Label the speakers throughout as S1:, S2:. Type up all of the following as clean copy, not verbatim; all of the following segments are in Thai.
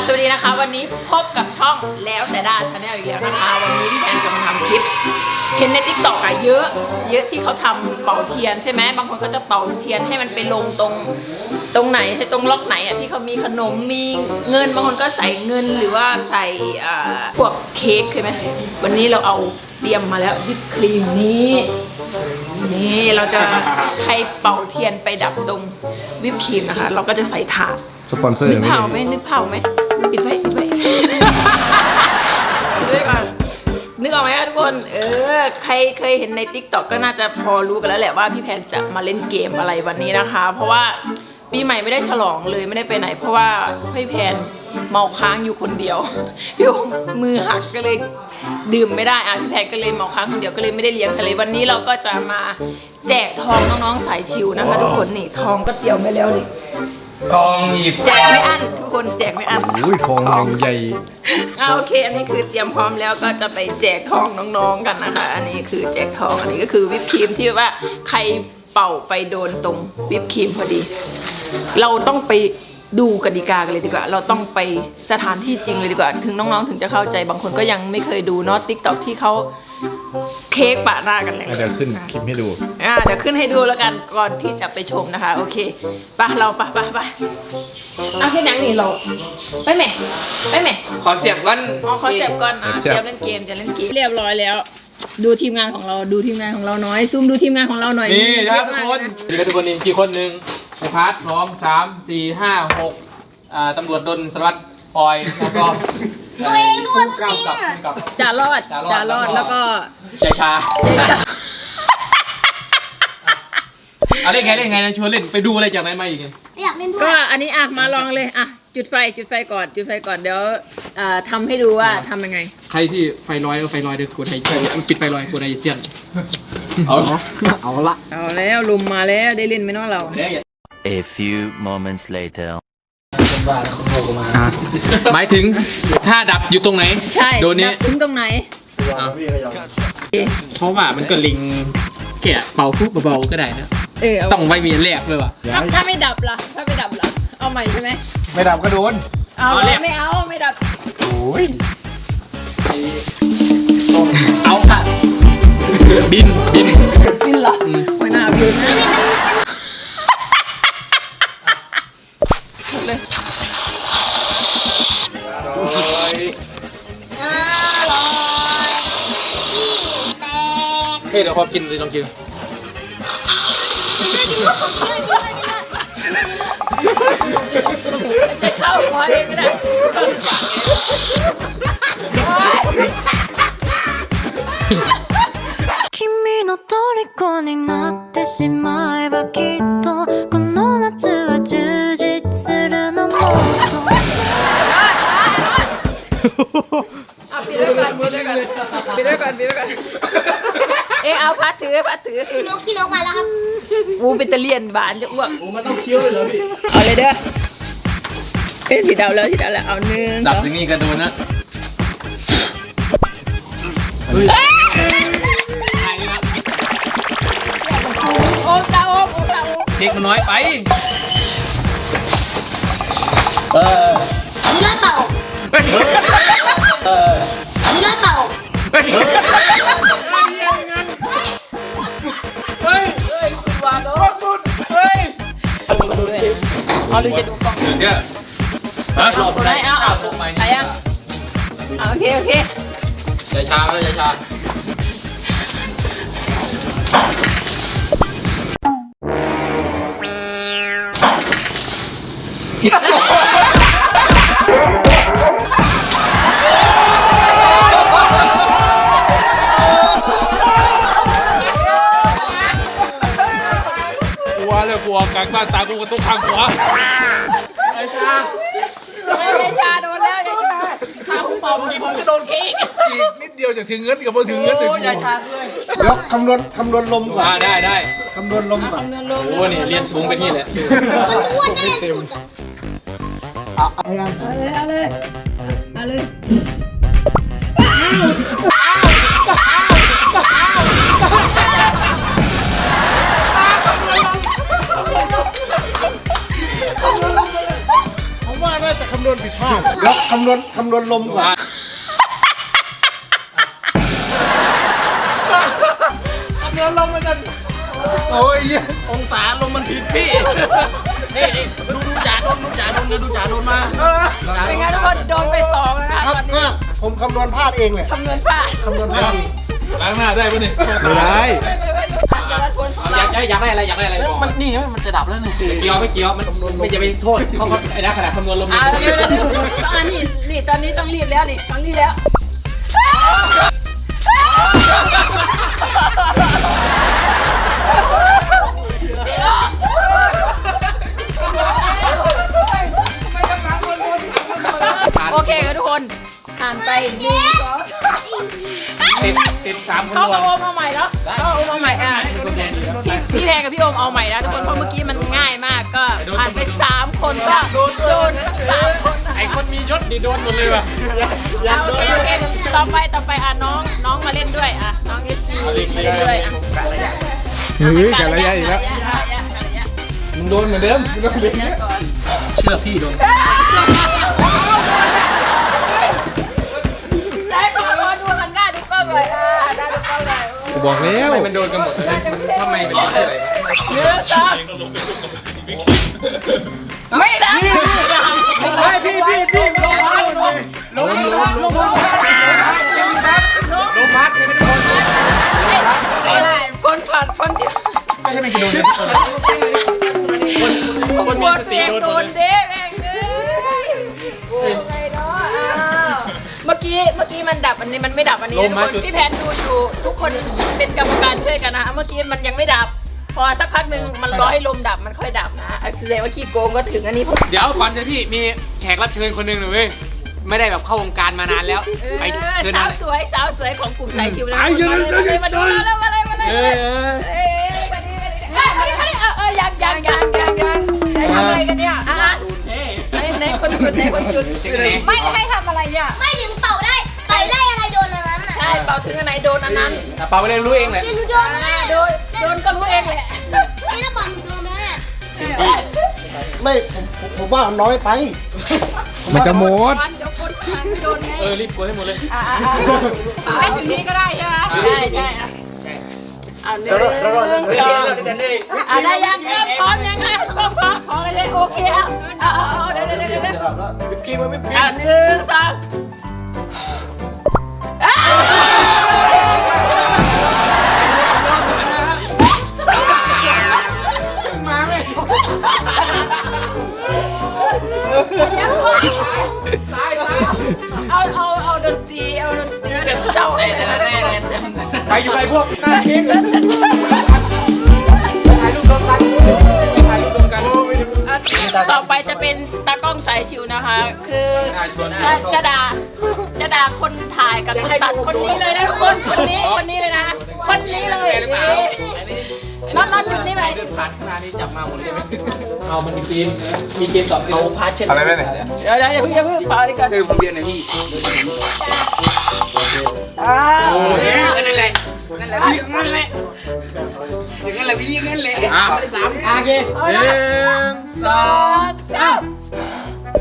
S1: สวัสดีนะคะวันนี้พบกับช่องแล้วแต่ดาชาแนลอีกแล้วนะคะวันนี้พี่แพนจะมาทำคลิปเห็นใน TikTok อะเยอะที่เขาทำเป่าเทียนใช่ไหมบางคนก็จะเป่าเทียนให้มันไปลงตรงไหนตรงล็อกไหนอะที่เขามีขนมมีเงินบางคนก็ใส่เงินหรือว่าใส่พวกเค้กใช่ไหมวันนี้เราเอาเตรียมมาแล้ววิปครีมนี่เราจะให้เป่าเทียนไปดับตรงวิปครีมนะคะเราก็จะใส่ถาด
S2: สปอนเซอร์
S1: นึกเผาไหมปิดไว้ปิดไว้ก่อนนึกออกไหมทุกคนใครเคยเห็นใน TikTok ก็น่าจะพอรู้กันแล้วแหละว่าพี่แพนจะมาเล่นเกมอะไรวันนี้นะคะเพราะว่าปีใหม่ไม่ได้ฉลองเลยไม่ได้ไปไหนเพราะว่าพี่แพนเมาค้างอยู่คนเดียวพี่มือหักก็เลยดื่มไม่ได้พี่แพนก็เลยเมาค้างคนเดียวก็เลยไม่ได้เลี้ยงทะเลวันนี้เราก็จะมาแจกทองน้องๆสายชิวนะคะทุกคนนี่ทองก็เตรียมไปแล้วนี่
S3: ทองหยิบ
S1: แจกไม่อั้นทุกคนแจกไม่อั้น
S2: อุ้ยทองยังใหญ่
S1: โอเคอันนี้คือเตรียมพร้อมแล้วก็จะไปแจกทองน้องๆกันนะคะอันนี้คือแจกทองอันนี้ก็คือวิปครีมที่ว่าใครเป่าไปโดนตรงวิปครีมพอดีเราต้องไปดูกติกากันเลยดีกว่าเราต้องไปสถานที่จริงเลยดีกว่าถึงน้องๆถึงจะเข้าใจบางคนก็ยังไม่เคยดูเนาะ TikTok ที่เขาเค้กปะหน้ากันเลย
S2: เดี๋ยวขึ้นคลิปให้ดู
S1: เดี๋ยวขึ้นให้ดูแล้วกันก่อนที่จะไปชมนะคะโอเคไปเราไปเอาแค่นั้นนี่เราไปไหม
S3: ขอเสียบก่อน
S1: ขอเสียบก่อนเสียบเล่นเกมจะเล่นเกมเรียบร้อยแล้วดูทีมงานของเราน้อยซูมดูทีมงานของเราหน่อย
S3: นี่ครับทุกคนนี่กี่คนหนึ่งไอพาร์ท2 3 4 5 6ตำรวจดลสารวัตรปอยแล้วก็
S4: ตัวเองด้วยพวกนี้
S1: จ่ารอดแล้วก็
S3: ใจชาเล่นไงนะชวนเล่นไปดูอะไรจากไหนมาอีก
S4: อยากเล่นด้วย
S1: ก็อันนี้มาลองเลยจุดไฟก่อนเดี๋ยวทำให้ดูว่าทำยังไง
S3: ใครที่ไฟลอยเดี๋ยวกดไฮปิดไฟลอยกดไฮเซียนเอา
S1: แล้วลุมมาแล้วได้เล่นไหมเนาะเรา
S5: A few moments later
S3: หมายถึงถ้าดับอยู่ตรงไหน
S1: ใช่
S3: โดนนี้
S1: ถึงตรงไหน
S3: เพราะว่ามันก็ลิงแกะเป่าปุ๊บเบาๆก็ได้นะต้องไว้มีแรกเลยว่ะ
S1: ถ้าไม่ดับล่ะเอาใหม่ใช่ไหม
S2: ไม่ดับก็โดน
S1: ไม่ดับ
S2: โอ้ย
S3: เอาค่ะบิน
S1: เหรอหัวหน้าบินนะเลย
S3: เฮ้ยเดี๋ยวพอกินเลยลองกิน
S1: จะเข้าหัวเองก็ได้
S4: 君の虜になってしまえばきっとこの夏は充実するのもっと
S1: ปิดด้วยก่อนเอาพัดถือ
S4: ขี้นกมาแล้วครับ
S1: เป็นตะเลียนบานจะอ้วก
S3: มันต้องเคี้ยวเลยเหรอพี่
S1: เอาเลยเด้อสีดาวแล้วเอาหนึ่ง
S3: ดับตรงนี้กันโดนนะ
S1: โอ้ตา
S3: เด็กมันน้อยไป
S4: เลือดเปล่าเลือดเปล่า
S1: เอาหรือจะดูกล้อง
S3: เนี่ย
S1: เอาไปยังโอเค
S3: ใจชากลัวกลางบ้านตากูกระตุกทางขวาไอ้ชา
S1: โดนแล้ว
S3: ถ้าผมเป่าบางทีผมจะโดนคิกอีกนิดเดียวจะถึงเงินกับพอถึงเงินถึงยาชาด้วย
S2: เดี๋ยวคำนวณลมก่อน
S3: ได้
S2: คำนวณลมก่อน
S3: โอ้นี่เรียนสูงเป็นนี่แหละ
S4: มันอ้วนได้สุด
S1: เอาเลย
S2: ผมว่าน่าจะคำำนวณผิดพลาดแล้วคำนวณลมก่อน
S3: เรือลมมันจะ
S2: โอ้ย
S3: องศาลมมันผิดพี่นี่ดูจ่าโดนมา
S1: เป็นไงทุกคนโดนไป2แล้วนะครับ ตอนนี้
S2: ก็ผมคำนวณพลาดเองเลย
S1: คำนวณพลาด
S2: คำนวณพลาดเอง
S3: ล้างหน้าได้ปะเนี่ย
S2: ไม่ได้
S3: อยากได้อะไรมันนี่มันจะดับแล้วนี่ไม่เกี่ยวมันไม่จะไปโทษเขาไอ้นักขนาดคำนวณลม
S1: เดี๋ยวนี่ตอนนี้ต้องรีบแล้วนี่ต้องรีบแล้วโอเคครับทุกคนผ่านไป
S3: ติด3 คน
S1: เขาโอมเอาใหม่แล้วเขาโอมเอาใหม่พี่แพงกับพี่โอมเอาใหม่แล้วทุกคนเพราะเมื่อกี้มันง่ายมากก็ผ่านไป3 คนก็โดน3 คน
S3: ไอ้คนมียศดิโดนหมดเลยว่ะ
S1: โอเคต่อไปน้องมาเล่นด้วยน้องเอสซีมาเล่นด้วย
S2: เฮ้ยแต่ละยะอีกแล้ว
S3: มึงโดนเหมือนเดิม
S2: เชื่อพี่โดน
S1: ได้ขอดูกันหน้าดูกล้องเลยหน้าดูกล้องเลย
S2: กูบอกแล้ว
S3: ทำไมมันโดนกันหมดเลยทำไมเป็นอะไร
S1: ไม่ได้
S2: พี่ลงพัด
S1: คนผ่านคนที่
S3: ไม่ใช่เป็นกิโลเมตรคนมีสติโดน
S1: เด้แม่งเมื่อกี้มันดับอันนี้มันไม่ดับอันนี้ทุกคนพี่แพนดูอยู่ทุกคนเป็นกรรมการช่วยกันนะเมื่อกี้มันยังไม่ดับพอสักพักหนึ่งมันรอให้ลมดับมันค่อยดับนะแสดงว่าขี้โกงก็ถึงอันนี้
S3: เดี๋ยวก่อนเดี๋ยวพี่มีแขกรับเชิญคนหนึ่งหนูเว้ยไม่ได้แบบเข้าวงการมานานแล้วไปเชิญ
S1: สาวสวยของกลุ่มสายคิวนะมาดูแล้วมาเลยมายังได้ทำอะไรกันเนี่ยในคนจุดไม่ให้ทำอะไรเนี่ย
S6: ไม่ถึงเป่าได้อะไรโดนอันนั้นน่ะ
S1: ใช่เป่าถึงอันไหนโดนอันนั้น
S3: เปาไปเลยรู้เองแหละ
S6: นี่หนูโดนไหม
S1: โดนก็รู้เองแหละ
S6: นี่ถ้าเป่าหนูโดนไหม
S2: ไม่ผมว่าน้อยไป มันจะหมด
S1: เดี๋ยวคนทางไม่โดนไง
S3: รีบกดให้หมดเลย
S1: ให้ถึงนี้ก็ได้ใช่ไหมใช่เอา1 2ได้ยังพร้อมยังไงพร้อมเลยโอเคเอาเดี๋ยว1 2มาไหมเอาดนตรีแบบเศร้าเลย
S3: ไปอยู่ไอ้พวกถ่ายรูปรวมกัน
S1: ต่อไปจะเป็นตากล้องสายชิวนะคะ คือจะด่าคนถ่ายกับคนตัดคนนี้เลยนะทุกคนคนนี้เลยนะคนนี้เลยน็อตจุดนี้ไป
S3: ผ่านขนาดนี้จับมาหมดเลยเอามันมีเกมตอบเอาพาร์ทเช่น
S2: อะไรเนี่ย
S1: เดี๋ยวอย่าเพิ่งเป่าดีก่อน
S3: คือผมเรียนนะพี่นั่นแหละพี่นั่นแหละพี่นั่นแหละ3โอเค1 2 3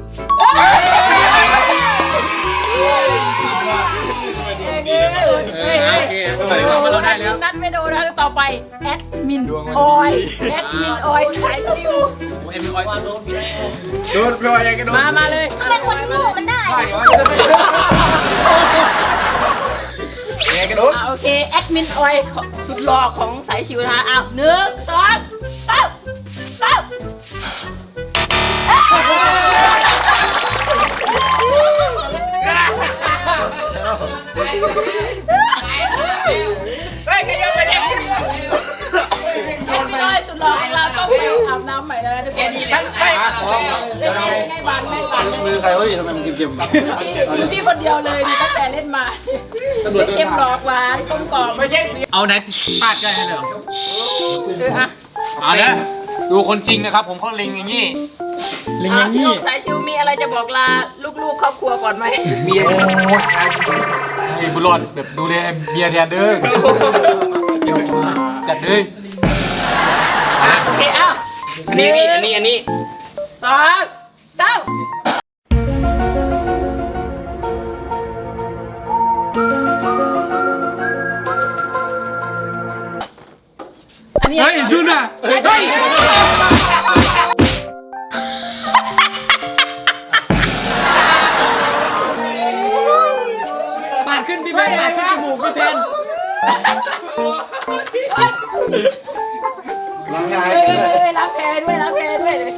S3: เราได้แล้ว
S1: นัดไม่โดนนะต่อไปแอดมินออยสายชิว
S3: เอ็มออยโดนพี่
S2: โดนไปยังกันโดน
S1: มาเลย
S6: ทำไมคนโง่มันได้
S2: ยังกันโดน
S1: โอเคแอดมินออยสุดหล่อของสายชิวนะ1 2 3สุดหล่อของเราต้องไปอาบน้ำใหม่แล้วทุกคนนี่แหละไงบานไม่บาน
S2: มือใครวะพี่ทำไมมันเก็บ
S1: พี่คนเดียวเลยตั้งแต่เล่นมาเค็มหลอกหวานกลมกล่อมไม่ใช่
S3: เอาไหนพลาดได้เลยเหรอ
S1: อ่ะ
S3: เอาละดูคนจริงนะครับ ผมเขาเล็งอย่างนี้เล็งอย่าง
S1: พี่
S3: นี้
S1: โอมสายชิวมีอะไรจะบอกลาลูกๆครอบครัวก่อนไหม
S3: เมียไอ้บุรอดแบบดูแลเมียแทนเด้อจัดเลย
S1: โอเคอ้าว
S3: อันนี้2 3 เฮ้ยปาดขึ้นพี่แพนปาดขึ้นจมูกพี่แพน
S2: ล้างงาน
S1: ล้างแผลด้วยล้างแผลด้วยเลย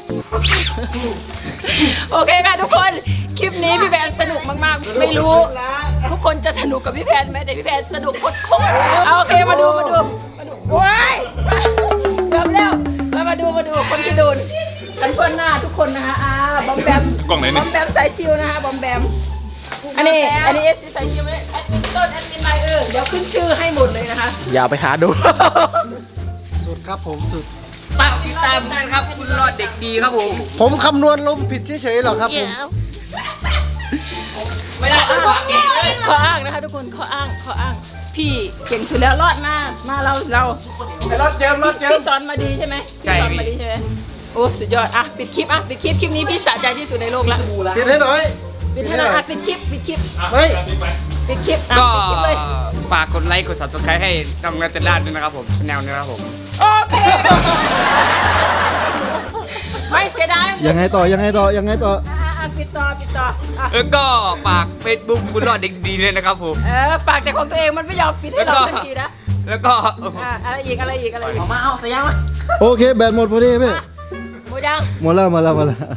S1: โอเคค่ะทุกคนคลิปนี้พี่แพนสนุกมากๆไม่รู้ ทุกคนจะสนุกกับพี่แพนไหมแต่พี่แพนสนุกโคตรๆเอาโอเคมาดูว้ายเกือบแล้วมาดูคนที่โดนกันเพื่อนหน้าทุกคนนะคะบอมแบมบอมแบมสายชิวนะคะบอมแบมอันนี้เอฟซีสายชิวแอดมินต้นแอดมินไมเดี๋ยวขึ้นชื่อให้หมดเลยนะคะ
S3: อย่าไปหาดู
S2: สุดครับผมสุด
S3: ฝากติดตามกันครับคุณรอดเด็กดีครับผม
S2: ผมคำนวณลมผิดเฉยๆหรอกครับผม
S3: ไม่ได้ต้องบอกเองเลย
S1: ข้ออ้างนะคะทุกคนข้ออ้างพี่เก่งสุดแล้วรอดมาเรา
S2: ไอ้รถเจิม
S1: พี่สอนมาดีใช่ไหมพี่สอนมาดีใช่ไหมโอ้สุดยอดปิดคลิปคลิปนี้พี่สะใจที่สุดในโลกละ
S2: ปิดให้หน่อย
S1: ปิดให้หน่อยปิดคลิป
S2: เฮ้ย
S1: ปิดคลิป
S3: ก็
S1: ปิดคลิปเลย
S3: ฝากกดไลค์กด subscribe ให้ทำงานเต็มด้านด้วยนะครับผมแนวนี้นะครับผม
S1: โอเคไม่เสียดาย
S2: ยังไงต่อ
S1: ปิดต่อ
S3: แล้วก็ฝาก Facebook คุณรอดเด็กดีเลยนะครับผม
S1: ฝากแต่ของตัวเองมันไม่ยอมปิดให้เราทันทีนะ
S3: แล้วก็
S1: อะไรอีก
S2: โอเคแบตหมดพอดีพี่
S1: หมดยัง
S2: หมดแล้ว